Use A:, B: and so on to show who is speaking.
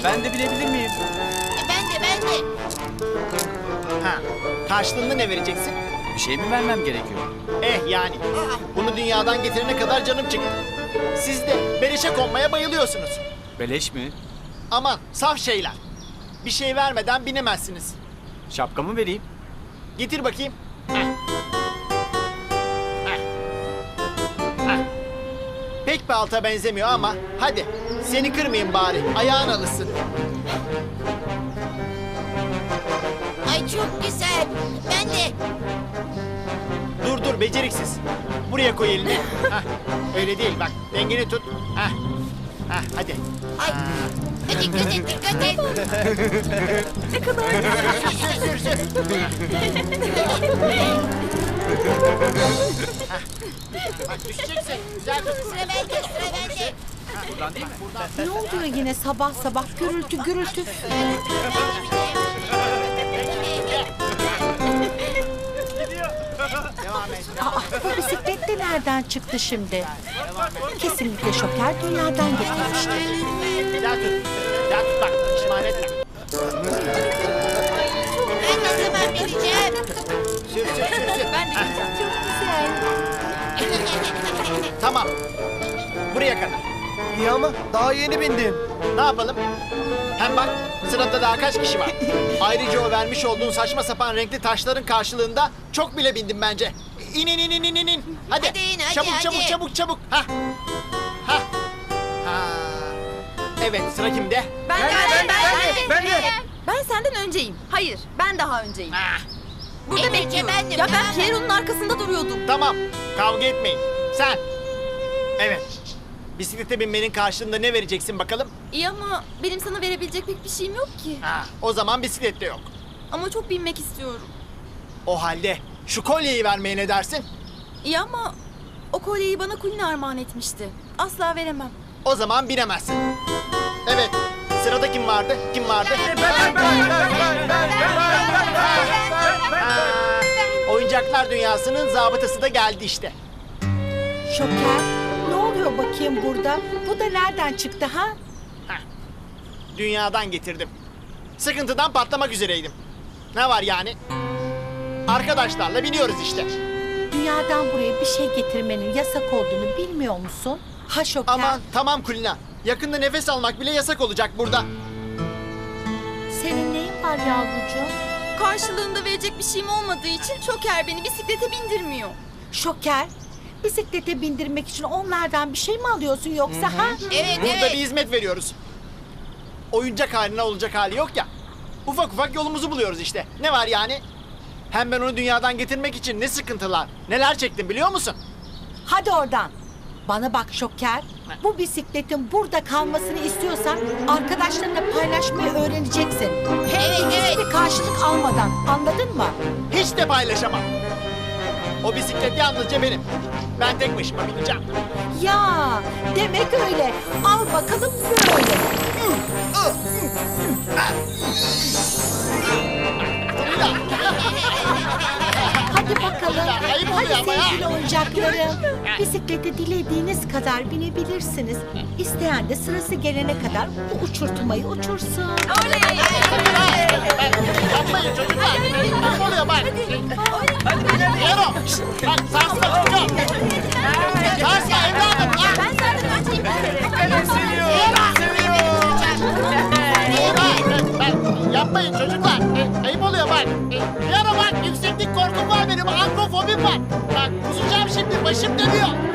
A: Ben de bilebilir miyim?
B: Ben de.
C: Ha, karşılığında ne vereceksin?
A: Bir şey mi vermem gerekiyor?
C: Yani. Bunu dünyadan getirene kadar canım çıktı. Siz de beleşe konmaya bayılıyorsunuz.
A: Beleş mi?
C: Aman saf şeyler. Bir şey vermeden binemezsiniz.
A: Şapkamı vereyim.
C: Getir bakayım. Heh. Heh. Heh. Pek bir alta benzemiyor ama hadi seni kırmayayım bari. Ayağın alışsın.
B: Ay çok güzel. Ben de.
C: Dur beceriksiz. Buraya koy elini. Heh. Öyle değil bak dengeni tut. Heh. Heh, hadi.
B: Ay. Dikkat et, dikkat et.
D: Ne kadar güzel.
C: Bak düşeceksin. Güzel tut.
B: Sıra bende.
A: Buradan değil mi?
D: Ne oluyor yine sabah sabah gürültü gürültü.
C: Devam et.
D: Bu bisiklet de nereden çıktı şimdi? Kesinlikle Şoker dünyadan getirmiştir.
C: Güzel tut. Güzel tut bak. Pişman etme.
B: Ben ne zaman bineceğim?
C: Sür.
B: Ben de bineceğim.
D: Çok güzel.
C: Tamam. Buraya kadar.
E: İyi ama daha yeni bindim.
C: Ne yapalım? Hem bak sırada daha kaç kişi var. Ayrıca o vermiş olduğun saçma sapan renkli taşların karşılığında çok bile bindim bence. İn. Hadi.
B: Hadi in, hadi,
C: Çabuk. Hah. Ha. Evet sıra kimde?
D: Ben de.
F: Ben senden önceyim. Hayır, ben daha önceyim.
C: Ah,
F: Burada
B: Evet,
F: bekliyorum.
B: bendim,
F: Ya ben
B: ben.
F: Piero'nun arkasında duruyordum.
C: tamam kavga etmeyin. Sen. Evet. Bisiklete binmenin karşılığında ne vereceksin bakalım?
F: İyi ama benim sana verebilecek pek bir şeyim yok ki.
C: Ha, o zaman bisiklet de yok.
F: Ama çok binmek istiyorum.
C: O halde şu kolyeyi vermeye ne dersin?
F: İyi ama o kolyeyi bana Kulina armağan etmişti. Asla veremem.
C: O zaman binemezsin. Evet. Sırada kim vardı? Oyuncaklar dünyasının zabıtası da geldi işte.
D: Şoker ne oluyor bakayım burada? Bu da nereden çıktı ha?
C: Dünyadan getirdim. Sıkıntıdan patlamak üzereydim. Ne var yani? Arkadaşlarla biniyoruz işte.
D: Dünyadan buraya bir şey getirmenin yasak olduğunu bilmiyor musun? Ha Şoker.
C: Aman tamam Kulina. Yakında nefes almak bile yasak olacak burada.
D: Senin neyin var yavrucuğum?
F: Karşılığında verecek bir şeyim olmadığı için Şoker beni bisiklete bindirmiyor.
D: Şoker, bisiklete bindirmek için onlardan bir şey mi alıyorsun yoksa ha?
B: Evet,
C: Burada bir hizmet veriyoruz. Oyuncak haline olacak hali yok ya. Ufak yolumuzu buluyoruz işte. Ne var yani? Hem ben onu dünyadan getirmek için ne sıkıntılar, neler çektim biliyor musun?
D: Hadi oradan. Bana bak Şoker, bu bisikletin burada kalmasını istiyorsan arkadaşlarınla paylaşmayı öğreneceksin. Hem de hiçbir karşılık almadan, anladın mı?
C: Hiç de paylaşamam. O bisiklet yalnızca benim. Ben tek başıma bineceğim.
D: Ya demek öyle. Al bakalım böyle. Hadi bakalım.
C: Ayıp
D: Hadi
C: oluyor ama ya.
D: sevgili oyuncaklarım. Bisiklete dilediğiniz kadar binebilirsiniz. İsteyen de sırası gelene kadar bu uçurtmayı uçursun.
C: Yapmayın çocuklar. Ne oluyor bak? Yero. Bak sarsma çocuğum. Sarsma evladım.
F: Ben senden önceyim.
C: Yapmayın çocuklar. Ayıp oluyor bak. Bir ara bak yükseklik korkum var benim. Ankofobim var. Bak kusacağım şimdi başım dönüyor.